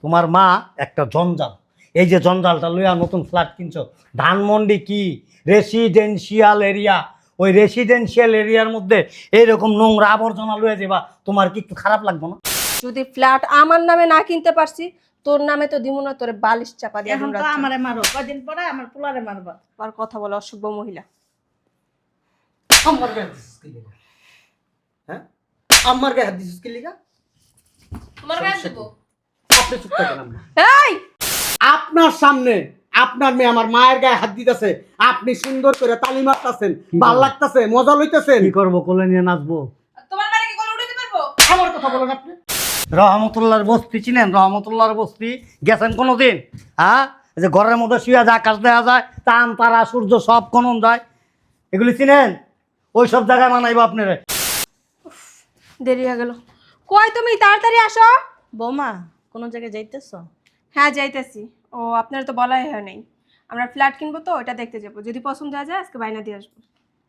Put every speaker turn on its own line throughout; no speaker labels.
তোমার মা একটা জঞ্জাল। এই যে জঞ্জালটা লইয়া নতুন ফ্ল্যাট কিনছো, ধানমন্ডি কি রেসিডেন্সিয়াল এরিয়া, ওই রেসিডেন্সিয়াল এরিয়ার মধ্যে এইরকম নোংরা আবর্জনা লইয়া যাবা, তোমার কি একটু খারাপ লাগবে না?
যদি ফ্ল্যাট আমার নামে না কিনতে পারছি, তোর নামে তো দিমু না, তোরে বালিশ চাপা দিয়ে
এখন
দিমু
তো
রাত্রে।
আমারে মারো, কয়দিন পরে আমার পোলারে মারবা।
আর কথা বলে অসভ্য মহিলা।
আমার গায়ে হাত দিছিস কি লিগা? হ্যাঁ, আমার গায়ে হাত দিছিস কি লিগা?
তোমার গায়ে দেব?
আপনি চুপ থাকেন আম্মা।
এই
আপনার সামনে আপনার মেয়ে আমার মায়ের গায়ে হাত দিতেছে, আপনি সুন্দর করে তালি মারতেছেন, ভাল লাগতেছে, মজা লইতেছেন।
কি করবো? কোলে নিয়ে নাচবো?
তোমার বাড়ি কি কোলে উঠাতে পারবো?
আমার কথা বলেন আপনি।
রহমতুল্লাহর বস্তি চিনেন? রহমতুল্লাহর বস্তি গেছেন কোনোদিন? হ্যাঁ, এই যে ঘরের মধ্যে শুয়ে যায়, আকাশ দেখা যায়, চাঁদ তারা সূর্য সব কনন যায়, এগুলি চিনেন? ওই সব জায়গায় মানাইবো আপনারা।
দেরি হয়ে গেল। কই তুমি তাড়াতাড়ি আসো।
বৌমা কোন জায়গায় যাইতেছো?
হ্যাঁ যাইতেছি। ও আপনার তো বলাই হয় নাই। আমরা ফ্ল্যাট কিনবো তো ওটা দেখতে যাবো, যদি পছন্দ হয়ে যায় আজকে বাইনা দিয়ে আসবো।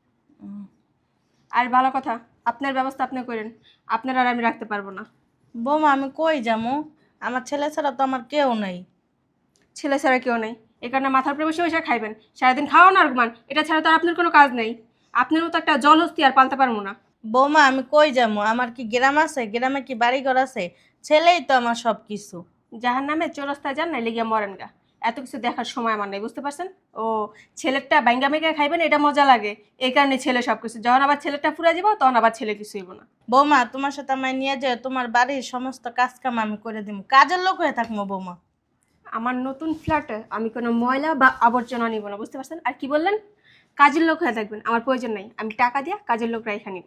আর ভালো কথা, আপনার ব্যবস্থা আপনি করেন, আপনার আর আমি রাখতে পারবো না।
বৌমা আমি কই যামু? আমার ছেলে ছাড়া তো আমার কেউ নাই।
ছেলে ছাড়া কেউ নেই, এ কারণে মাথার উপরে বসে বসে খাইবেন, সারাদিন খাওয়ান আর ঘুমান, এটা ছাড়া তো আর আপনার কোনো কাজ নেই। আপনার মতো একটা জলহস্তি আর পালতে পারবো না।
বৌমা আমি কই যামু? আমার কি গ্রাম আছে? গ্রামে কি বাড়িঘর আছে? ছেলেই তো আমার সব কিছু।
যাহার নামে চৌরাস্তায় যান না লেগিয়া মরেন গা, এত কিছু দেখার সময় আমার নেই, বুঝতে পারছেন? ও ছেলেরটা বাইঙ্গা মেঘা খাইবেন, এটা মজা লাগে, এই কারণে ছেলে সব কিছু। যখন আবার ছেলেটা ফুরা যাবো তখন আবার ছেলে কিছু হইব না।
বৌমা তোমার সাথে আমায় নিয়ে যায়, তোমার বাড়ির সমস্ত কাজ কাম আমি করে দিব, কাজের লোক হয়ে থাকবো বৌমা।
আমার নতুন ফ্ল্যাটে আমি কোনো ময়লা বা আবর্জনা নিব না, বুঝতে পারছেন? আর কি বললেন? কাজের লোক হয়ে থাকবেন, আমার প্রয়োজন নাই, আমি টাকা দিয়া কাজের লোক রাইখা নিব।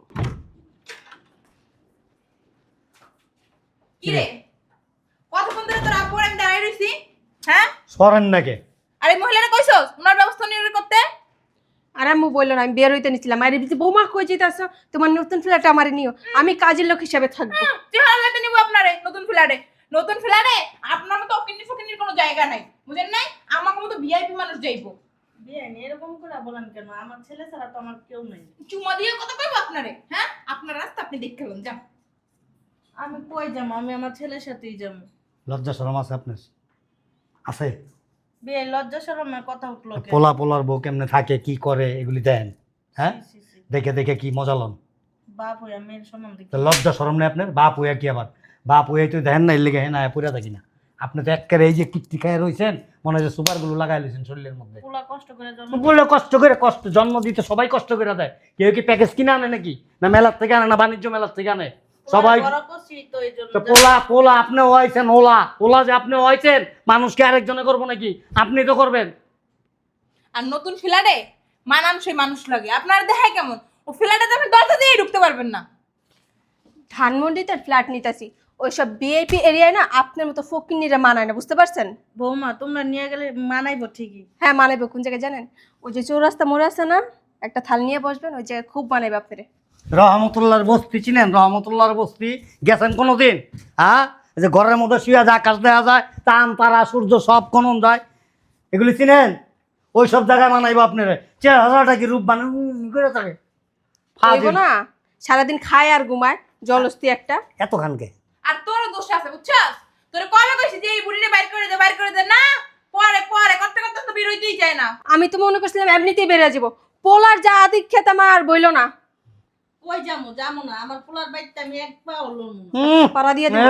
কি রে? কতক্ষণ ধরে তোর আব্বু আর আমি দাঁড়াই রইছি? হ্যাঁ?
সরেন নাকি?
আর এই মহিলারা কইছস ওনার ব্যবস্থা নিয়ে করতে?
আর আম্মু বললো না, আমি বের হইতে নিছিলাম, আর এই বৌমা কই যেতেছ, তোমার নতুন ফ্ল্যাটে আমারে নিও, আমি কাজের লোক হিসেবে থাকবো।
চেহারাতে নিব আপনারে নতুন ফ্ল্যাটে। নতুন ফ্ল্যাটে আপনার মতো অকিন্নি ফকিন্নির কোনো জায়গা নাই, বুঝেন নাই? আমাকে মতো ভিআইপি মানুষ যাইবো।
বিয়ে এরকম করে বলেন কেন? আমার ছেলে ছাড়া তো আমার কেউ নেই।
চুমা দিয়ে কথা কইবো আপনারে? হ্যাঁ, আপনার রাস্তা আপনি দেখে গেলেন, যান।
আমি কই যাবো? আমি আমার ছেলের সাথেই যাবো।
লজ্জা শরম আছে আপনার? আছে?
বিয়ে লজ্জা শরমের কথা উঠলো কেন?
পোলা পোলার বউ কেমনে থাকে, কি করে, এগুলি দেন? হ্যাঁ,
ছি, ছি, ছি।
দেখে দেখে কি মজা লন?
বাপ হইয়া মেয়ের সম্বন্ধে
তো লজ্জা শরম নেই আপনার? বাপ হইয়া কি আবার? বাপ হইয়া তো দেখেন না, এর লেগে হ্যাঁ পুরা থাকি না। আপনি তো একেবারে এই যে কিপ্তি খায় রয়েছেন, মনে হয় যে সুপারগুলো লাগাই লইছেন শরীরের মধ্যে।
পোলা কষ্ট করে জন্ম
বলে কষ্ট করে, কষ্ট জন্ম দিতে সবাই কষ্ট করে দেয়। কেউ কি প্যাকেজ কিনে আনে নাকি? না মেলার থেকে আনে, না বাণিজ্য মেলার থেকে আনে? সবাই
বড় করছি তো এই জন্য।
তো পোলা পোলা আপনি হয়েছেন, ওলা ওলা যে আপনি হয়েছেন, মানুষকে আরেকজনে করবো নাকি? আপনি তো করবেন।
আর নতুন ফ্ল্যাটে মানানসই মানুষ লাগে। আপনার দেখায় কেমন? ও ফ্ল্যাটে আপনি দরজা দিয়ে ঢুকতে পারবেন না।
ধানমন্ডিতে ফ্ল্যাট নিতেছি, ওইসব ভিআইপি এরিয়ায় না আপনার মতো ফকিন্নিরা মানায় না, বুঝতে পারছেন?
বৌমা তোমরা নিয়ে গেলে মানাইবো ঠিকই।
হ্যাঁ মানাইবে। কোন জায়গায় জানেন? ওই যে চৌরাস্তা মোড়ে আছে না, একটা থাল নিয়ে বসবেন, ওই জায়গায় খুব মানাইবে আপনারে।
রহমতুল্লাহর বস্তি চিনেন? রহমতুল্লাহর বস্তি গেছেন কোনোদিন? হ্যাঁ, এই যে ঘরের মধ্যে শুয়ে যায়, আকাশ দেখা যায়, চাঁদ তারা সূর্য সব কনন যায়, এগুলি চিনেন? ওই সব জায়গায় মানাইবো আপনারা। চেহারাটা কি রূপ বানান করে থাকে?
হইব না, সারাদিন খায় আর ঘুমায়, জলস্তি একটা।
এত খানকে
আর তোরও দোষ আছে, বুঝছস? তোরে কবে কইছি যে এই বুড়িরে বাইর করে দে, বাইর করে দে না? পরে পরে করতে করতে তো বের হইতেই যায় না।
আমি তো মনে করছিলাম এমনিতেই বেড়ে যাবো, পোলার যা আদিক খেতে আমার বইলো না।
কই যামু? যামু না, আমার পোলার বাড়িতে আমি এক পা লড়বো না।
পাড়া দিয়ে দিবো।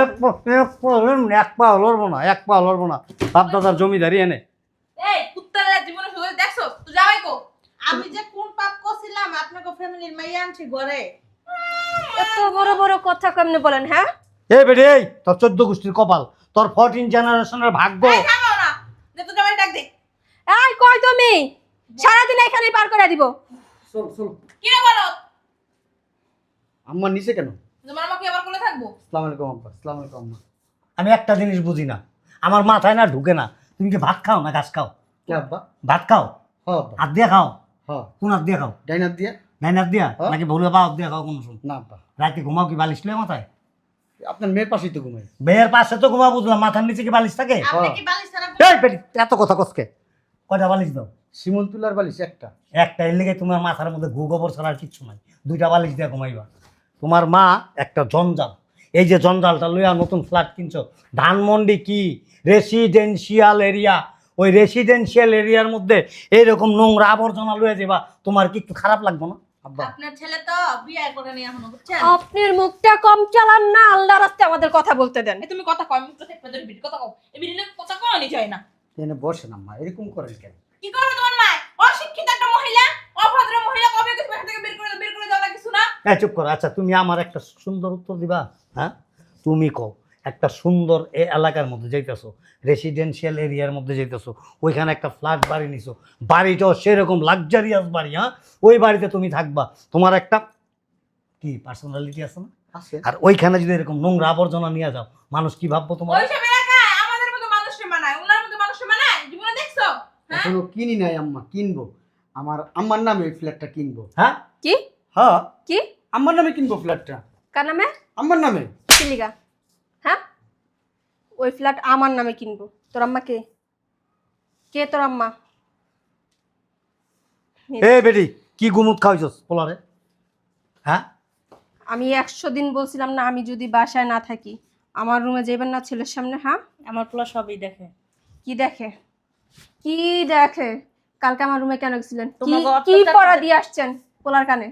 এক পা লড়বো না, এক পা লড়বো না। বাপ দাদার জমিদারি এনে
এই কুত্তার জীবনে শুধু দেখছো তুই যাওয়াই কো?
আমি যে কোন পাপ করছিলাম আপনাকে ফ্যামিলির মাইয়া আনছি ঘরে।
এত বড় বড় কথা কেমনে বলেন? হ্যাঁ
এই বেড়ে, এই তোর 14 গোষ্ঠীর কপাল, তোর 14 জেনারেশনের ভাগ্য।
এই থামো না, যে তো জামাই ডাক দে।
এই কই তুমি? সারাদিন এখানেই পার করে দিব।
চল চল।
কি রে বলো?
আম্মা নিচে কেন?
তোমার আমাকে আবার কোলে থাকবো?
আসসালামু আলাইকুম আব্বা। আসসালামু আলাইকুম আম্মা।
আমি একটা জিনিস বুঝি না, আমার মাথায় না ঢুকে না, তুমি কি ভাত খাও না ঘাস খাও?
কে আব্বা?
ভাত খাও?
হ আব্বা।
হাত দিয়ে খাও?
হ।
কোন হাত দিয়ে খাও?
ডাইনার দিয়া?
ডাইন হাত দিয়া
হ্যাঁ।
নাকি ভুলে বা হাত দিয়ে খাও? কোন সময়
না আব্বা।
রাতে ঘুমাও কি বালিশ লয়ে মাথায়?
আপনার মেয়ের পাশেই তো ঘুমাই।
বেয়ের পাশে তো ঘুমা, বুঝলাম, মাথার নিচে কি বালিশ থাকে?
আপনি কি বালিশ ছাড়া
এই বেটি, এত কথা কসকে? কয়টা বালিশ দাও?
শিমুল তুলার বালিশ একটা।
একটা, এর লেগে তোমার মাথার মধ্যে গু গোবর ছাড়া আর কিচ্ছু নাই। 2টা বালিশ দিয়ে ঘুমাইবা। তোমার মা একটা জঞ্জাল। এই যে জঞ্জালটা লইয়া নতুন ফ্ল্যাট কিনছো, ধানমন্ডি কি রেসিডেন্সিয়াল এরিয়া, ওই রেসিডেন্সিয়াল এরিয়ার মধ্যে এইরকম নোংরা আবর্জনা লইয়া যাবা, তোমার কি একটু খারাপ লাগবে না আব্বা?
আপনার ছেলে তো বিয়ে করে নিয়ে এখনো, বুঝছেন?
আপনার মুখটা কম চালান না, আল্লাহ রাস্তে আমাদের কথা বলতে দেন।
তুমি কথা কম মুখ থেকে পেদের বিট কথা কও, এই বিড়িলে কথা কওনি যায় না।
এনে বসেন আম্মা, এরকম করেন কেন?
কি করবে তোমার মা? অশিক্ষিত একটা মহিলা, অভদ্র মহিলা, কবে কিছু এখান থেকে বের করে দাও না কিছু না।
হ্যাঁ চুপ করো। আচ্ছা তুমি আমার একটা সুন্দর উত্তর দিবা? হ্যাঁ তুমি কও, একটা সুন্দর এলাকার মধ্যে যাইতেছো, রেসিডেন্সিয়াল এরিয়ার মধ্যে যাইতেছো, ওইখানে একটা ফ্ল্যাট বাড়ি নিছো, বাড়িটাও সেরকম লাক্সারিয়াস বাড়ি, হ্যাঁ ওই বাড়িতে তুমি থাকবা, তোমার একটা কি পার্সোনালিটি আছে না?
আছে।
আর ওইখানে যদি এরকম নোংরা আবর্জনা নিয়ে যাও, মানুষ কি ভাববো তোমার?
ওইসব এলাকায় আমাদের মতো মানুষকে মানায়, ওনার মতো মানুষকে মানায়? জীবনে দেখছো? হ্যাঁ?
এখনো কিনি নাই আম্মা, কিনবো। আমার আম্মার নামে এই ফ্ল্যাটটা কিনবো।
হ্যাঁ
কি
হ্যাঁ,
কি
আম্মার নামে কিনবো ফ্ল্যাটটা,
কার নামে?
আম্মার নামে।
চিলিগা, হ্যাঁ ওই ফ্ল্যাট আমার নামে কিনবো। তোর আম্মা কে? কে তোর আম্মা?
এ বেটি, কি গুমুত খাওয়াইছস পোলারে? হ্যাঁ
আমি 100 দিন বলছিলাম না, আমি যদি বাসায় না থাকি আমার রুমে যাবেন না ছেলের সামনে। হ্যাঁ
আমার পোলা সবই দেখে।
কি দেখে? কি দেখে? কালকে আমার রুমে কেন গেছিলেন? কি
তোমাকে
কি
অত্যাচার
পড়া
করে-
দিয়ে আসছেন পোলার কানে?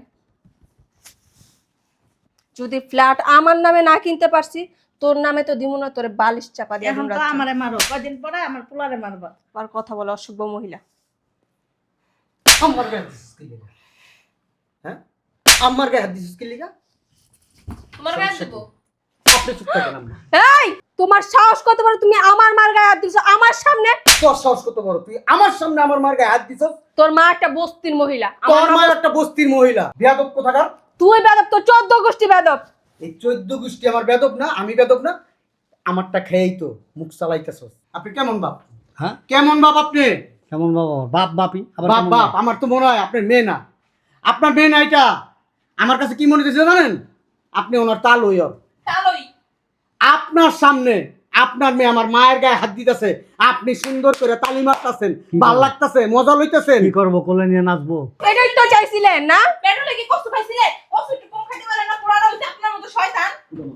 যদি ফ্ল্যাট আমার নামে না কিনতে পারছি, তোর নামে তো দিমু না, তোরে বালিশ চাপা দিয়ে
এখন
দিমু
তো
রাত্রে।
আমারে মারো, কয়দিন পরে আমার পোলারে মারবা।
আর কথা বলে অসভ্য মহিলা।
আম্মার গায়ে হাত দিছিস কি লিগা? হ্যাঁ, আম্মার গায়ে হাত দিছিস কি লিগা?
তোমার গায়ে দেবো।
আপনি চুপ থাকেন আম্মা।
এই তোমার সাহস কত বড়, তুমি আমার মার গায়ে হাত দিছো আমার সামনে?
তোর সাহস কত বড়, তুই আমার সামনে আমার মার গায়ে হাত দিছস?
তোর মা একটা বস্তির মহিলা,
তোর
আমার
মা
মা-
একটা বস্তির মহিলা, বেয়াদব কোথাকার।
তুই বেদব, তোর 14 গোষ্ঠী বেদব।
এই 14 গোষ্ঠী আমার বেদব না, আমি বেদব না? আমারটা খেয়েই তো মুখ চালাইতেছস। আপনি কেমন বাপ?
হ্যাঁ
কেমন বাপ আপনি?
কেমন বাবা? বাপ বাপি আবার
বাপ
কেমন
বাপ, আমার তো মনে হয় আপনার মেয়ে না। আপনার মেয়ে না এটা। আমার কাছে কি মনে হচ্ছে জানেন? আপনি ওনার তাল হইয়।
তালই।
আপনার সামনে আপনার মেয়ে আমার মায়ের গায়ে হাত দিতেছে, আপনি সুন্দর করে তালি মারতেছেন, ভাল লাগতেছে, মজা লইতেছেন।
কি করবো? কোলে নিয়ে নাচবো?
এটাই তো চাইছিলেন না?
পেট্রোলে কি কষ্ট পাইছিলে? কষ্ট একটু কম খাইতে পারে না, পোড়াটা হইছে আপনার মতো শয়তান।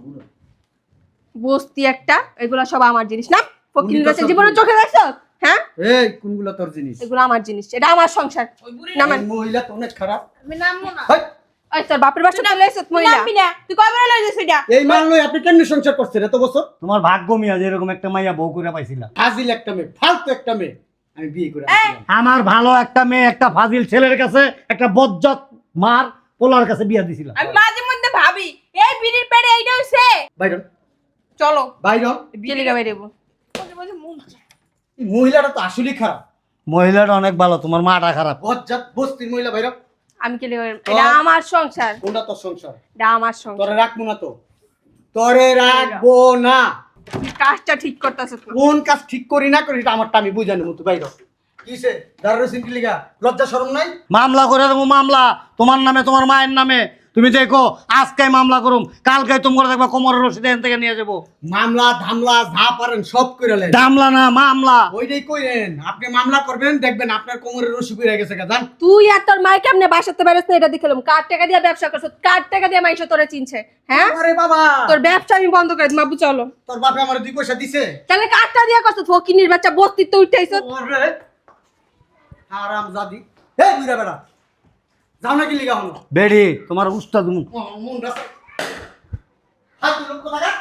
বস্তি একটা, এগুলা সব আমার জিনিস না। ফকির
উনি তো
গাছে
সব
জীবনে
জিনিস।
চোখে দেখছো? হ্যাঁ
এই কোনগুলো তোর জিনিস?
এগুলো আমার জিনিস, এটা আমার সংসার।
ওই বুড়ি
না,
এই মহিলা তো অনেক খারাপ।
আমি নামবো না।
হেই,
ওই তোর বাপের বাসা চলে এসেছ মহিলা।
নামবি না, তুই কবে লই যাস এটা?
এই মাল লই আপনি কেমনে সংসার করছেন এত বছর?
তোমার ভাগ্য মিয়া যে এরকম একটা মাইয়া বউ করে পাইছিলা।
ফাজিল একটা মেয়ে, ফালতু একটা মেয়ে আমি বিয়ে করে আনছিলাম।
আমার ভালো একটা মেয়ে একটা ফাজিল ছেলের কাছে, একটা বজ্জাত মার পোলার কাছে বিয়া দিছিলাম।
আমি মাঝে মধ্যে ভাবি এই বিড়ির পেটে এইটা হইছে।
বাইরন,
চলো
বাইরন।
জেলিকা বাইরে দেবো।
বসে বসে মন চায়।
এই মহিলাটা তো আসলেই খারাপ,
মহিলাটা অনেক ভালো, তোমার মাটা খারাপ।
বজ্জাত বস্তির মহিলা। বাইরন,
আমি কি এটা আমার সংসার,
কোনটা তোর সংসার?
এটা আমার সংসার।
তোরে রাখবো না তো, তোরে রাখবো না।
তুই কাজটা ঠিক করতেছ তো।
কোন কাজ ঠিক করি না করি এটা আমারটা আমি বুঝানি মতো। বাইর কিসে দাঁড়ানো সিনকি লিগা, লজ্জা শরম নাই?
মামলা করে দেবো, মামলা তোমার নামে তোমার মায়ের নামে। তুমি দেখো আজকে মামলা করুম, কালকে তোমার দেখবা কোমরের রশিদ এখান থেকে নিয়ে যাবো।
মামলা ধামলা যা পারেন সব কইরালেন,
মামলা না মামলা।
ওইটাই কইরেন। আপনি মামলা করবেন, দেখবেন আপনার কোমরের রশি কইরা গেছে গাদান।
তুই আর তোর মাই কেমনে বাসাতে পারিস না এটা দেখলাম। কার টাকা দিয়ে ব্যবসা করছ? কার টাকা দিয়ে মাইশো তোরে চিনছে? হ্যাঁ
আরে বাবা,
তোর ব্যবসা আমি বন্ধ করে দিই। মাবু চলো।
তোর বাপে আমার 2 পয়সা দিছে?
তাহলে কারটা দিয়ে করছ? ফকিনির বাচ্চা বস্তি তো উঠাইছ।
ওরে হারাম জাদি। হে বুইরা বেড়া, যাও নাকি লিগা হলো?
বেড়ি তোমার উস্তাদ মুখ।
মন রাখা হাত লোক কোথাকার,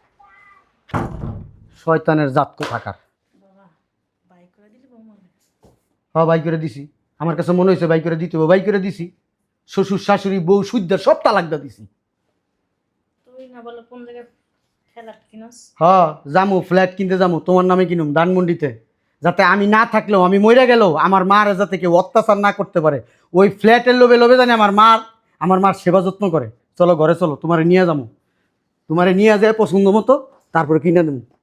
শয়তানের জাত কোথাকার।
বাই করে দিলি বৌমারে।
হ্যাঁ বাই করে দিছি, আমার কাছে মনে হয়েছে বাই করে দিতে হবে, বাই করে দিছি। শ্বশুর শাশুড়ি বউ সুদ্দার সব তালাক দা দিছি।
তুই না বলে কোন জায়গায় খেলা কিনস?
হ্যাঁ যামু, ফ্ল্যাট কিনতে যামু, তোমার নামে কিনুম ধানমন্ডিতে, যাতে আমি না থাকলেও, আমি মরে গেলেও আমার মার যাতে কেউ অত্যাচার না করতে পারে। ওই ফ্ল্যাটের লোভে লোভে জানি আমার মার সেবা যত্ন করে। চলো ঘরে চলো, তোমারে নিয়ে যাবো, তোমারে নিয়ে যায় পছন্দ মতো, তারপরে কিনে দেবো।